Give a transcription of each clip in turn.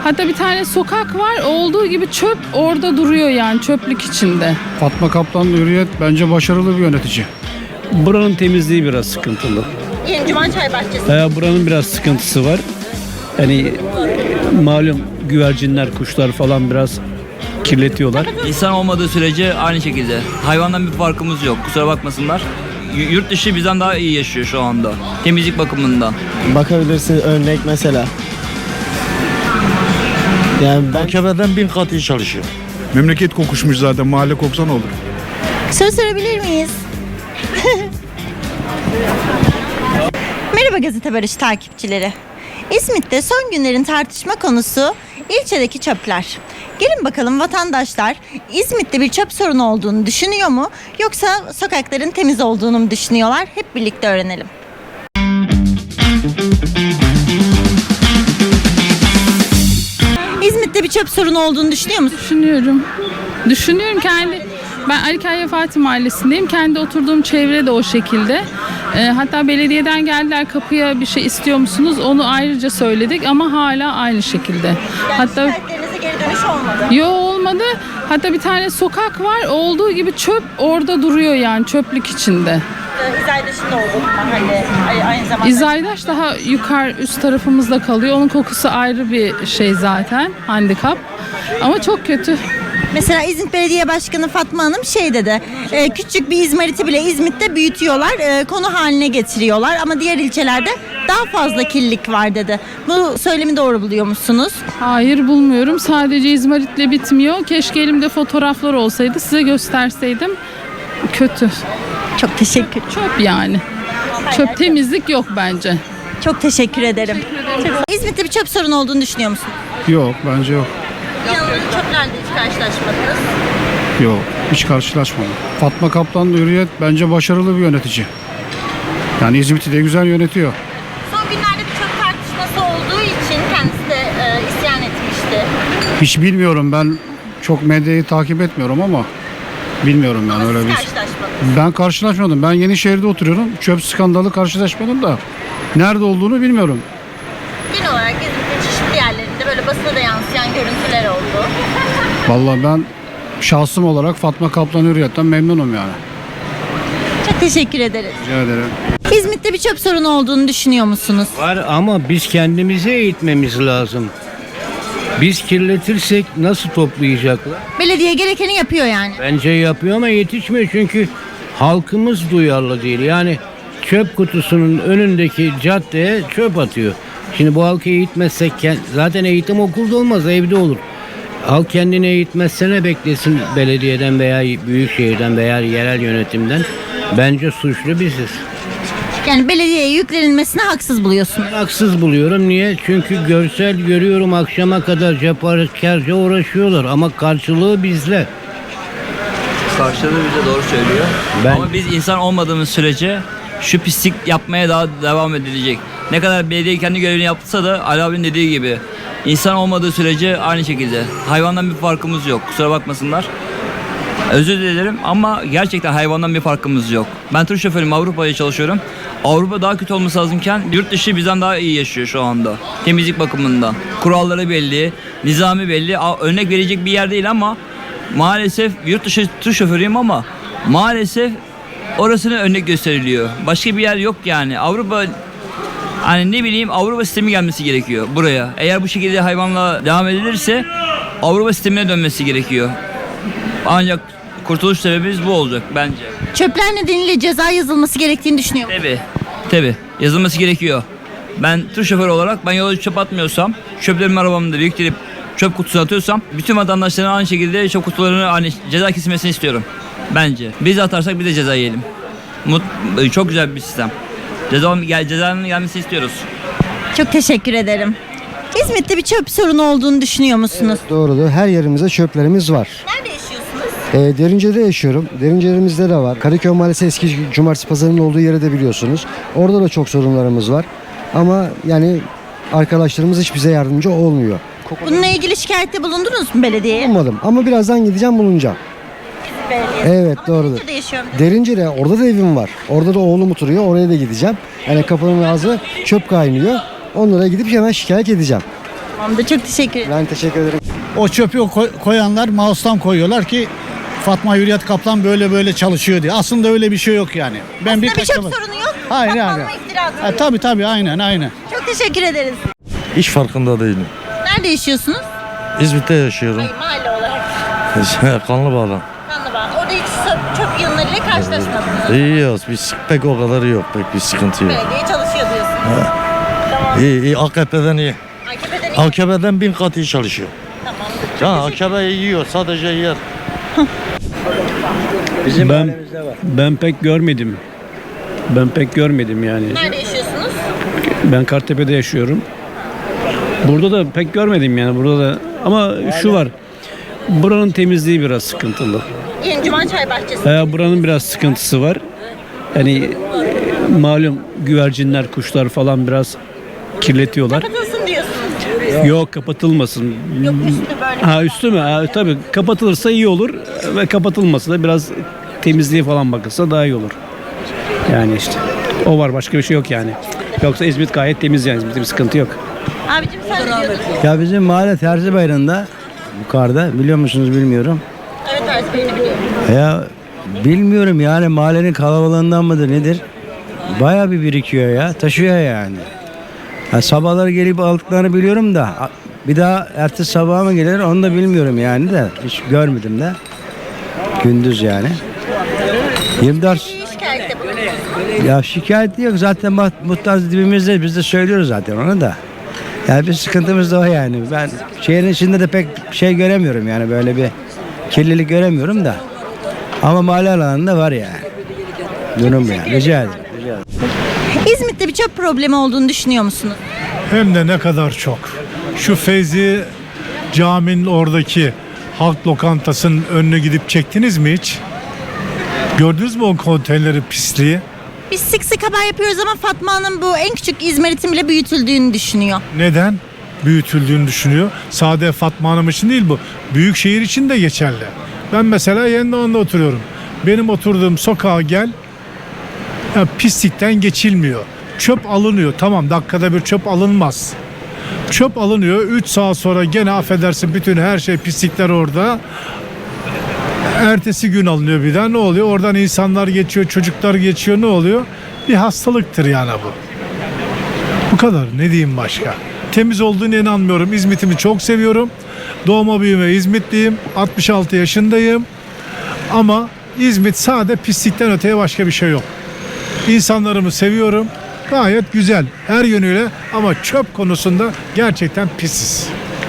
Hatta bir tane sokak var, olduğu gibi çöp orada duruyor, yani çöplük içinde. Fatma Kaplan Hürriyet bence başarılı bir yönetici. Buranın temizliği biraz sıkıntılı. Yeni Cuman Çay Bahçesi. Buranın biraz sıkıntısı var. Yani malum güvercinler, kuşlar falan biraz kirletiyorlar. İnsan olmadığı sürece aynı şekilde. Hayvandan bir farkımız yok. Kusura bakmasınlar. Yurt dışı bizden daha iyi yaşıyor şu anda. Temizlik bakımından. Bakabilirsin örnek mesela. Yani ben Mahkemeden 1000 kat iyi çalışıyor. Memleket kokuşmuş zaten, mahalle koksa ne olur? Soru sorabilir miyiz? Merhaba Gazete Barış takipçileri. İzmit'te son günlerin tartışma konusu ilçedeki çöpler. Gelin bakalım, vatandaşlar İzmit'te bir çöp sorunu olduğunu düşünüyor mu, yoksa sokakların temiz olduğunu mu düşünüyorlar? Hep birlikte öğrenelim. İzmit'te bir çöp sorunu olduğunu düşünüyor musun? Düşünüyorum ben Ali Kaya Fatih Mahallesi'ndeyim. Kendi oturduğum çevre de o şekilde. Hatta belediyeden geldiler, kapıya bir şey istiyor musunuz? Onu ayrıca söyledik ama hala aynı şekilde. Hatta Şikayetlerinize geri dönüş olmadı. olmadı. Hatta bir tane sokak var, olduğu gibi çöp orada duruyor, yani çöplük içinde. İzaydaş'ın da olduğu mahalle aynı zamanda. İzaydaş daha üst tarafımızda kalıyor. Onun kokusu ayrı bir şey zaten, handikap. Ama çok kötü. Mesela İzmit Belediye Başkanı Fatma Hanım şey dedi, küçük bir izmariti bile İzmit'te büyütüyorlar, konu haline getiriyorlar ama diğer ilçelerde daha fazla kirlilik var dedi. Bu söylemi doğru buluyor musunuz? Hayır, bulmuyorum. Sadece izmaritle bitmiyor. Keşke elimde fotoğraflar olsaydı, size gösterseydim. Kötü. Çok teşekkür. Çöp yani. Çöp, temizlik yok bence. Çok teşekkür ederim. İzmit'te bir çöp sorunu olduğunu düşünüyor musun? Yok, bence yok. Yanılan çöplerle hiç karşılaşmadınız. Yok, hiç karşılaşmadım. Fatma Kaplan Hürriyet bence başarılı bir yönetici. Yani İzmit'i de güzel yönetiyor. Son günlerde bir çöp tartışması olduğu için kendisi de isyan etmişti. Hiç bilmiyorum, ben çok medyayı takip etmiyorum ama bilmiyorum yani öyle Siz bir. karşılaşmadınız. Ben karşılaşmadım. Ben Yenişehir'de oturuyorum. Çöp skandalı karşılaşmadım da nerede olduğunu bilmiyorum. Genel olarak İzmit'in çeşitli yerlerinde böyle basına da yansıyan görüntüler oldu. Vallahi ben şahsım olarak Fatma Kaplan Hürriyet'ten memnunum yani. Çok teşekkür ederiz. Rica ederim. İzmit'te bir çöp sorunu olduğunu düşünüyor musunuz? Var ama biz kendimizi eğitmemiz lazım. Biz kirletirsek nasıl toplayacaklar? Belediye gerekeni yapıyor yani. Bence yapıyor ama yetişmiyor çünkü halkımız duyarlı değil. Yani çöp kutusunun önündeki caddeye çöp atıyor. Şimdi bu halkı eğitmezsek zaten eğitim okulda olmaz, evde olur. Halk kendini eğitmezse ne beklesin belediyeden veya büyükşehirden veya yerel yönetimden? Bence suçlu biziz. Yani belediyeye yüklenilmesine haksız buluyorsunuz. Haksız buluyorum. Niye? Çünkü görsel görüyorum, akşama kadar cefakarca uğraşıyorlar ama karşılığı bizle. Karşılığı bize doğru söylüyor. Ama biz insan olmadığımız sürece şu pislik yapmaya daha devam edilecek. Ne kadar belediye kendi görevini yapsa da Ali abinin dediği gibi insan olmadığı sürece aynı şekilde. Hayvandan bir farkımız yok. Kusura bakmasınlar. Özür dilerim ama gerçekten hayvandan bir farkımız yok. Ben tır şoförüyüm, Avrupa'ya çalışıyorum. Avrupa daha kötü olması lazımken yurt dışı bizden daha iyi yaşıyor şu anda. Temizlik bakımından. Kuralları belli, nizami belli. Örnek verecek bir yer değil ama maalesef yurt dışı tır şoförüyüm ama maalesef orasına örnek gösteriliyor. Başka bir yer yok yani. Avrupa, hani ne bileyim, Avrupa sistemi gelmesi gerekiyor buraya. Eğer bu şekilde hayvanla devam edilirse Avrupa sistemine dönmesi gerekiyor. Ancak kurtuluş sebebimiz bu olacak bence. Çöpler nedeniyle ceza yazılması gerektiğini düşünüyor musunuz? Tabii. Yazılması gerekiyor. Ben tır şoförü olarak yola çöp atmıyorsam, çöplerimi arabamda biriktirip çöp kutusuna atıyorsam bütün vatandaşların aynı şekilde çöp kutularını aynı ceza kesilmesini istiyorum. Bence. Biz atarsak biz de ceza yiyelim. Çok güzel bir sistem. Cezanın gelmesini istiyoruz. Çok teşekkür ederim. İzmit'te bir çöp sorunu olduğunu düşünüyor musunuz? doğrudur. Her yerimizde çöplerimiz var. Nerede yaşıyorsunuz? Derince'de yaşıyorum. Derince'lerimizde de var. Karaköy Mahallesi eski Cumartesi Pazarı'nın olduğu yeri de biliyorsunuz. Orada da çok sorunlarımız var. Ama yani arkadaşlarımız hiç bize yardımcı olmuyor. Bununla ilgili şikayette bulundunuz mu belediyeye? Olmadım ama birazdan gideceğim, bulunacağım. Evet, Ama doğrudur. Derince'de yaşıyorum. Derince'de orada da evim var. Orada da oğlum oturuyor. Oraya da gideceğim. Yani kapının ağzı çöp kaynıyor. Onlara gidip hemen şikayet edeceğim. Tamamdır. Çok teşekkür ederim. Ben teşekkür ederim. O çöpü koyanlar mouse'tan koyuyorlar ki Fatma Hürriyet Kaplan böyle çalışıyor diye. Aslında öyle bir şey yok yani. Ben Aslında bir birkaç çöp defa- sorunu yok. Hayır Fatma yani. Hanım'a iftira atıyor. Tabii aynen. Çok teşekkür ederiz. Hiç farkında değilim. Nerede yaşıyorsunuz? İzmit'te yaşıyorum. Hayır, mahalle olarak. Kanlıbağ'dan. Kanlıbağ. Orada hiç çöp yığınlarıyla karşılaşmadınız. İyiyiz. Pek o kadar yok. Pek bir sıkıntı yok. Belediye çalışıyor diyorsunuz. Tamam. İyi. AKP'den iyi. AKP'den iyi. AKP'den 1000 kat iyi çalışıyor. Tamam. AKP yiyor. Sadece yer. Ben pek görmedim. Yani. Nerede yaşıyorsunuz? Ben Kartepe'de yaşıyorum. Burada da pek görmedim yani. Burada da ama şu var. Buranın temizliği biraz sıkıntılı. Yeni Cuma Çay Bahçesi. Buranın biraz sıkıntısı var. Yani malum güvercinler, kuşlar falan biraz kirletiyorlar. Kapatılsın diyorsunuz. Yok, kapatılmasın. Yok, üstü böyle. Üstü mü? Tabii kapatılırsa iyi olur ve kapatılmasa da biraz temizliğe falan bakılsa daha iyi olur. Yani işte o var, başka bir şey yok yani. Yoksa İzmit gayet temiz yani, İzmit'te bir sıkıntı yok. Abicim sen ne diyordun? Ya bizim mahalle Terzi Bayırı'nda yukarıda, biliyor musunuz bilmiyorum. Evet, Terzi Bey'ini biliyorum. Ya bilmiyorum yani, mahallenin kalabalığından mıdır nedir? Bayağı bir birikiyor ya, taşıyor yani. Sabahları gelip aldıklarını biliyorum da bir daha ertesi sabaha mı gelir onu da bilmiyorum yani, de hiç görmedim de. Gündüz yani. 24 Şikayette bulundunuz. ya şikayet yok zaten, muhtar dibimizde, biz de söylüyoruz zaten onu da. Yani bir sıkıntımız da o yani. Ben şehrin içinde de pek şey göremiyorum yani, böyle bir kirlilik göremiyorum da. Ama mahalle alanında var yani. Durum yani. Rica ederim. İzmit'te bir çöp problemi olduğunu düşünüyor musunuz? Hem de ne kadar çok. Şu Feyzi Cami'nin oradaki halk lokantasının önüne gidip çektiniz mi hiç? Gördünüz mü o konteyneri, pisliği? Biz sık sık haber yapıyoruz ama Fatma Hanım bu en küçük izmaritin bile büyütüldüğünü düşünüyor. Neden? Büyütüldüğünü düşünüyor. Sade Fatma Hanım için değil bu. Büyük şehir için de geçerli. Ben mesela Yendoğan'da oturuyorum. Benim oturduğum sokağa gel, ya pislikten geçilmiyor. Çöp alınıyor. Tamam, dakikada bir çöp alınmaz. Çöp alınıyor. 3 saat sonra gene affedersin bütün her şey, pislikler orada. Ertesi gün alınıyor bir daha. Ne oluyor? Oradan insanlar geçiyor, çocuklar geçiyor. Ne oluyor? Bir hastalıktır yani bu. Bu kadar. Ne diyeyim başka? Temiz olduğunu inanmıyorum. İzmit'imi çok seviyorum. Doğma büyüme İzmitliyim. 66 yaşındayım. Ama İzmit sade pislikten öteye başka bir şey yok. İnsanlarımı seviyorum. Gayet güzel her yönüyle ama çöp konusunda gerçekten pisiz.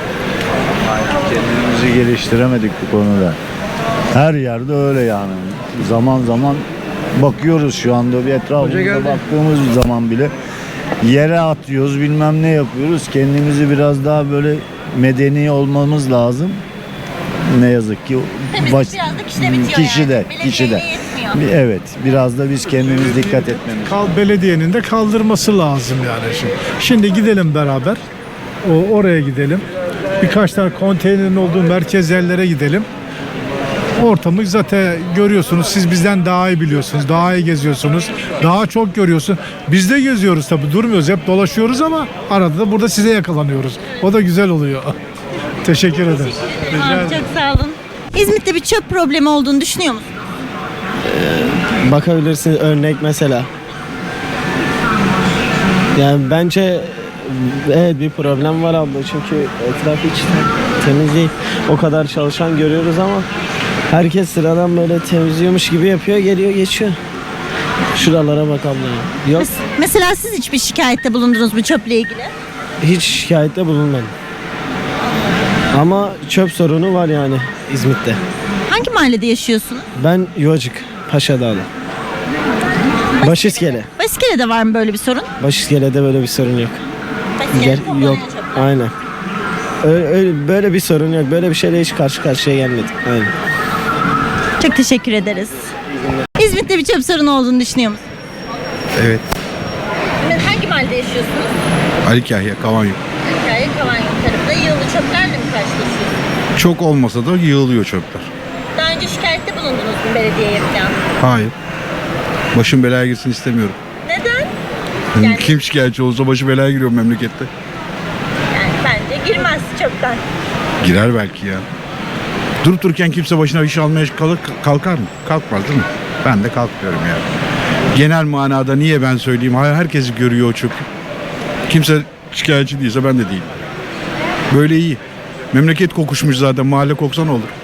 Kendimizi geliştiremedik bu konuda. Her yerde öyle yani. Zaman zaman bakıyoruz, şu anda bir etrafımıza baktığımız zaman bile yere atıyoruz, bilmem ne yapıyoruz. Kendimizi biraz daha böyle medeni olmamız lazım. Ne yazık ki Biraz da kişide bitiyor kişide. yetmiyor. Evet, biraz da biz kendimiz dikkat etmemiz. Belediyenin de kaldırması lazım yani şimdi. Şimdi gidelim beraber. Oraya gidelim. Birkaç tane konteynerin olduğu merkez yerlere gidelim. Ortamı zaten görüyorsunuz. Siz bizden daha iyi biliyorsunuz. Daha iyi geziyorsunuz. Daha çok görüyorsun. Biz de geziyoruz tabii. Durmuyoruz. Hep dolaşıyoruz ama arada da burada size yakalanıyoruz. O da güzel oluyor. Teşekkür ederim. Rica ederim. Çok sağ olun. İzmit'te bir çöp problemi olduğunu düşünüyor musunuz? Bakabilirsiniz, örnek mesela. Yani bence evet bir problem var abla, çünkü etraf hiç temiz değil. O kadar çalışan görüyoruz ama herkes sıradan böyle temizliyormuş gibi yapıyor, geliyor geçiyor. Şuralara bak abla. Yok, Mesela siz hiçbir şikayette bulundunuz mu çöple ilgili? hiç şikayette bulunmadım. Ama çöp sorunu var yani İzmit'te. Hangi mahallede yaşıyorsunuz? Ben Yuvacık, Paşadağlı. Başiskele. Baskele'de var mı böyle bir sorun? Başiskele'de böyle bir sorun yok. Baskele'de toplanan Yok, çöpler. aynen. Öyle, böyle bir sorun yok. Böyle bir şeyle hiç karşı karşıya gelmedik. Aynen. Çok teşekkür ederiz. İzmit'te bir çöp sorunu olduğunu düşünüyor musunuz? Evet. Hangi mahallede yaşıyorsunuz? Ali Kahya, Kavanyum. Hikaye Kavanyum tarafında yığılı çöplerle mi karşılaşıyorsunuz? Çok olmasa da yığılıyor çöpler. Daha önce şikayette bulundunuz mu belediyeye falan? Hayır. Başım belaya girsin istemiyorum. Neden? Yani- Kim şikayetçi olursa başı belaya giriyor memlekette. Yani bence Girmez çöpten. Girer belki ya. Durup dururken kimse başına iş almaya kalkar mı? Kalkmaz değil mi? Ben de kalkmıyorum ya. Genel manada niye ben söyleyeyim? Herkes görüyor o çöpü. Kimse şikayetçi değilse ben de değilim. Böyle iyi. Memleket kokuşmuş zaten. Mahalle koksa ne olur?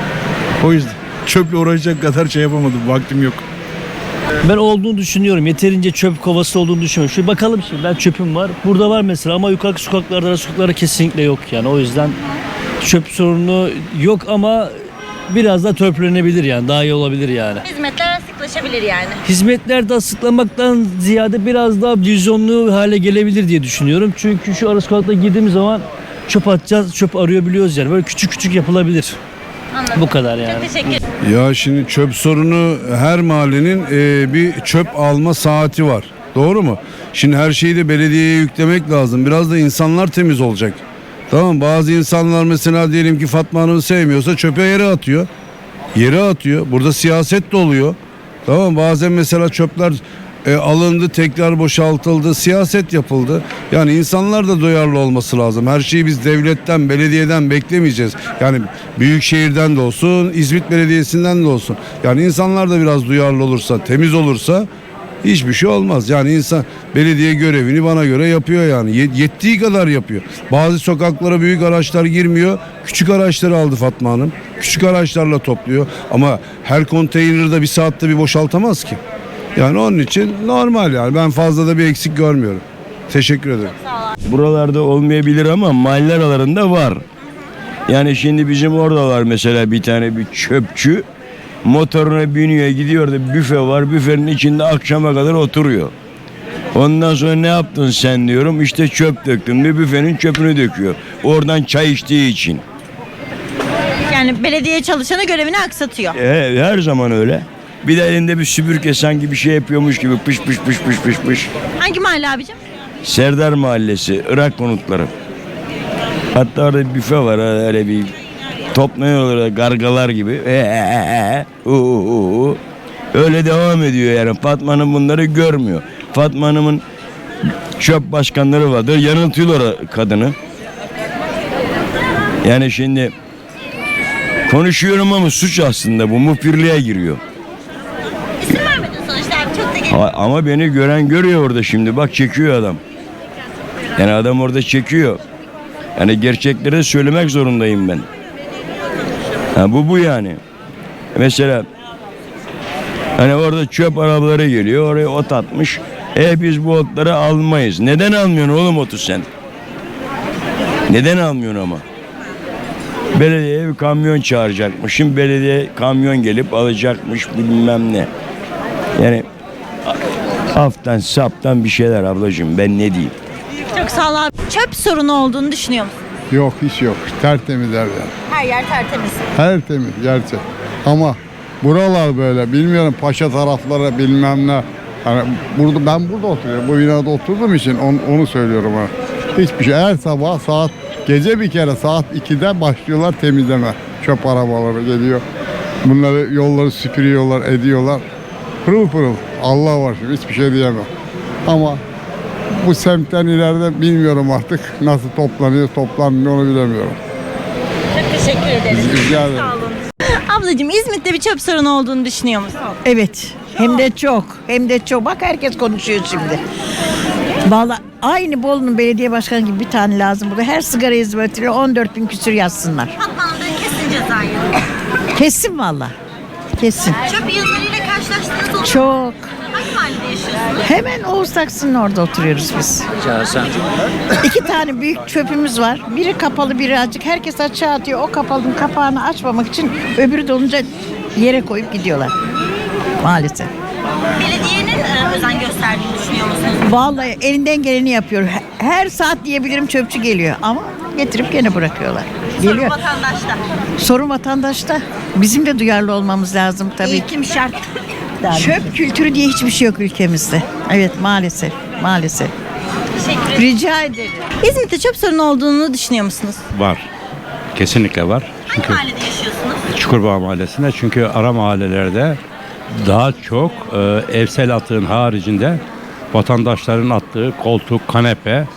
O yüzden çöple uğraşacak kadar şey yapamadım. Vaktim yok. Ben olduğunu düşünüyorum. Yeterince çöp kovası olduğunu düşünüyorum. Şöyle bakalım şimdi. Ben çöpüm var. Burada var mesela ama yukarı sokaklarda kesinlikle yok yani. O yüzden çöp sorunu yok ama biraz da törpülenebilir yani. Daha iyi olabilir yani. Hizmetler sıklaşabilir yani. Hizmetler de sıklamaktan ziyade biraz daha vizyonlu hale gelebilir diye düşünüyorum. Çünkü şu ara sokakta girdiğimiz zaman çöp atacağız, çöp arıyor biliyoruz yani. Böyle küçük küçük yapılabilir. Anladım. Bu kadar yani. Çok teşekkür Ya şimdi çöp sorunu her mahallenin bir çöp alma saati var. Doğru mu? Şimdi her şeyi de belediyeye yüklemek lazım. Biraz da insanlar temiz olacak. Tamam, bazı insanlar mesela diyelim ki Fatma Hanım'ı sevmiyorsa çöpe yere atıyor. Yere atıyor. Burada siyaset de oluyor. Tamam, bazen mesela çöpler alındı, tekrar boşaltıldı, siyaset yapıldı. Yani insanlar da duyarlı olması lazım. Her şeyi biz devletten, belediyeden beklemeyeceğiz. Yani büyükşehirden de olsun, İzmit Belediyesi'nden de olsun. Yani insanlar da biraz duyarlı olursa, temiz olursa hiçbir şey olmaz. Yani insan belediye görevini bana göre yapıyor yani. Yettiği kadar yapıyor. Bazı sokaklara büyük araçlar girmiyor. Küçük araçları aldı Fatma Hanım. Küçük araçlarla topluyor. Ama her konteyneri de bir saatte bir boşaltamaz ki. Yani onun için normal yani. Ben fazla da bir eksik görmüyorum. Teşekkür ederim. Buralarda olmayabilir ama mahalle aralarında var. Yani şimdi bizim orada var mesela bir tane bir çöpçü. Motoruna biniyor, gidiyor da büfe var. Büfenin içinde akşama kadar oturuyor. Ondan sonra ne yaptın sen diyorum. İşte çöp döktüm. Bir büfenin çöpünü döküyor. Oradan çay içtiği için. Yani belediye çalışanı görevini aksatıyor. Her zaman öyle. Bir de elinde bir süpürge sanki bir şey yapıyormuş gibi pış pış pış pış pış pış. Hangi mahalle abicim? Serdar Mahallesi, Irak konutları. Hatta orada bir büfe var, öyle bir toplanıyorlar gargalar gibi. Öyle devam ediyor yani. Fatma Hanım bunları görmüyor. Fatma Hanım'ın çöp başkanları vardır. Yanıltıyorlar kadını. Yani şimdi konuşuyorum ama suç aslında bu muhbirliğe giriyor. İsim vermedin sonuçta abi, çok da gelin. Ama beni gören görüyor orada şimdi. Bak çekiyor adam. Yani adam orada çekiyor. Yani gerçekleri söylemek zorundayım ben. Bu yani. Mesela hani orada çöp arabaları geliyor. Oraya ot atmış. Biz bu otları almayız. Neden almıyorsun oğlum otu sen? Neden almıyorsun ama? Belediyeye bir kamyon çağıracakmış. Şimdi belediye kamyon gelip alacakmış bilmem ne. Yani haftan saptan bir şeyler ablacığım, ben ne diyeyim? Çok sağ ol abi. Çöp sorunu olduğunu düşünüyor musun? Yok, hiç yok. Tertemiz her yer. Her yer tertemiz. Tertemiz gerçek. Ama buralar böyle bilmiyorum, Paşa tarafları bilmem ne. Yani ben burada oturuyorum. Bu binada oturduğum için onu söylüyorum ha. Hiçbir şey. Her sabah gece bir kere saat 2'de başlıyorlar temizleme. Çöp arabaları geliyor. Bunları yolları süpürüyorlar, ediyorlar. Pırıl pırıl. Allah var şimdi, hiçbir şey diyemem. Ama bu semtten ileride bilmiyorum artık nasıl toplanmıyor onu bilemiyorum. Çok teşekkür ederiz. Rica ederim. Sağ olun. Ablacığım, İzmit'te bir çöp sorunu olduğunu düşünüyor musun? Evet. Hem de çok. Hem de çok. Bak herkes konuşuyor şimdi. Vallahi aynı Bolu'nun belediye başkanı gibi bir tane lazım burada. Her sigara hizmetine 14.000 küsür yazsınlar. Fatma'nın kesin cezayı. Kesin vallahi. Kesin. Çöp yığınlarıyla karşılaştınız oldu. Çok. Hangi mahallede yaşıyorsunuz? Hemen Oğuz Taksi'nin orada oturuyoruz biz. İki tane büyük çöpümüz var. Biri kapalı, biri açık. Herkes açığa atıyor. O kapalının kapağını açmamak için öbürü dolunca yere koyup gidiyorlar. Maalesef. Belediyenin özen gösterdiğini düşünüyor musunuz? Vallahi elinden geleni yapıyor. Her saat diyebilirim çöpçü geliyor ama getirip gene bırakıyorlar. Geliyor. Sorun vatandaşta. Sorun vatandaşta. Bizim de duyarlı olmamız lazım tabii. Eğitim şart. Çöp kültürü diye hiçbir şey yok ülkemizde. Evet, maalesef. Maalesef. Teşekkür ederim. Rica ederim. İzmit'te çöp sorunu olduğunu düşünüyor musunuz? Var. Kesinlikle var. Hangi mahallede yaşıyorsunuz? Çukurbağ Mahallesi'nde, çünkü ara mahallelerde daha çok evsel atığın haricinde vatandaşların attığı koltuk, kanepe,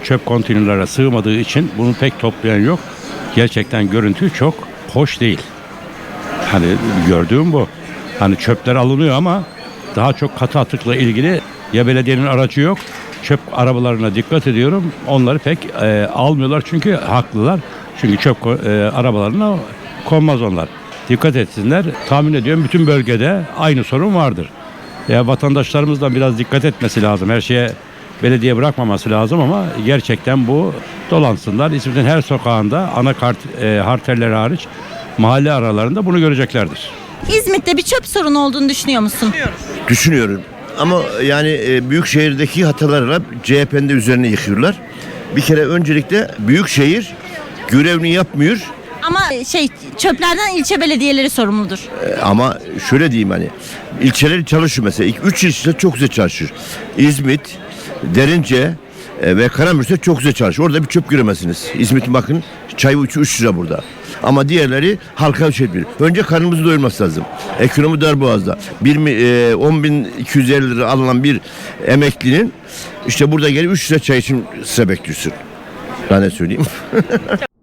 çöp konteynerlere sığmadığı için bunu pek toplayan yok. Gerçekten görüntü çok hoş değil. Hani gördüğüm bu. Hani çöpler alınıyor ama daha çok katı atıkla ilgili ya belediyenin aracı yok. Çöp arabalarına dikkat ediyorum. Onları pek almıyorlar çünkü haklılar. Çünkü çöp arabalarına konmaz onlar. Dikkat etsinler. Tahmin ediyorum bütün bölgede aynı sorun vardır. Ya vatandaşlarımızdan biraz dikkat etmesi lazım. Her şeye belediye bırakmaması lazım ama gerçekten bu dolansınlar. İzmit'in her sokağında ana arterleri hariç mahalle aralarında bunu göreceklerdir. İzmit'te bir çöp sorunu olduğunu düşünüyor musun? Düşünüyorum. Ama yani büyük şehirdeki hatalarla CHP'nin de üzerine yıkıyorlar. Bir kere öncelikle büyük şehir görevini yapmıyor. Ama çöplerden ilçe belediyeleri sorumludur. Ama şöyle diyeyim hani ilçeler çalışıyor mesela. 3 ilçe çok güzel çalışıyor. İzmit, Derince ve Karamürsel çok güzel çalışıyor. Orada bir çöp göremezsiniz. İzmit'in bakın çayı 3 lira burada. Ama diğerleri halka şey ediyor. Önce karnımızı doyurması lazım. Ekonomi darboğazda. 10.250 lira alınan bir emeklinin işte burada gelip 3 lira çay için size bekliyorsun. Ben ne söyleyeyim?